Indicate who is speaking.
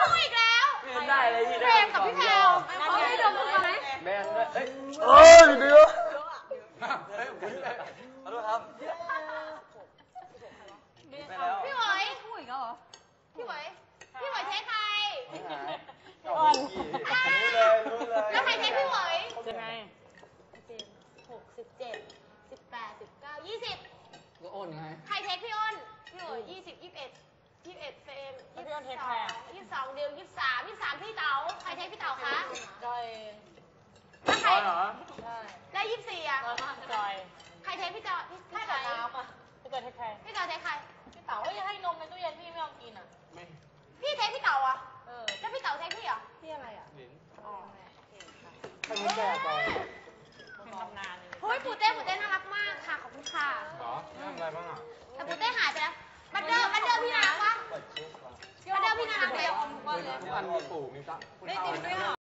Speaker 1: อีกแล้ว
Speaker 2: ได้เลยพี่
Speaker 1: เฟรมกับพี่แพลวเขาให้ดมกันไหม
Speaker 2: แบนด้วยเอ้ยเดี๋ยวขอโทษครับ
Speaker 1: พี่เหวยพูดอีกแล้วเหรอพี่เหวยเทสใครแล้วใครเทสพี่เหวย
Speaker 2: ยังไง
Speaker 1: 17 18 19 20
Speaker 2: ก็โอนไง
Speaker 1: ใครเทสพี่อ้นพี่เหวย20 21เฟรม22เดียว23พี่เต๋าใครเทสพี่เต๋าคะ
Speaker 3: จอย
Speaker 1: แล้วใคร
Speaker 2: เหรอ
Speaker 3: ใช่
Speaker 1: ได้24อ่ะ
Speaker 3: จอย
Speaker 1: ใครเทสพี่จอยพี่
Speaker 3: ให้แต่น้ำอ่ะพี่จอยเทคแคร์
Speaker 1: พี่จอยเทสใคร
Speaker 3: พี่เต๋าก็ยังให้นมในตู้เย็นพี่ไม่ยอมกินอ่ะ
Speaker 2: ไม่
Speaker 1: พี่เทสพี่เต๋าอ่ะแล้วพี่เต๋าเทสพี่เหรอ
Speaker 3: พี่อะไรอ่ะ
Speaker 2: หลิน
Speaker 3: อ๋อ
Speaker 2: ให้มันแก่ก่อน
Speaker 3: เป็นตำนานเลย
Speaker 1: เฮ้ยปูเต้น่ารักมากค่ะขอบคุณค่ะ
Speaker 2: เหรอทำอะไรบ้างอ่ะ
Speaker 1: แต่ปูเต้หายไปแล้วบัตเดอร์พี่น่ารักปะ
Speaker 2: เปิดเชฟก่อน
Speaker 1: บัตเดอร์พี่น่ารักไหม
Speaker 2: ทุกอันมีปู่มีตะ
Speaker 3: ได้ติดด้วยเหรอ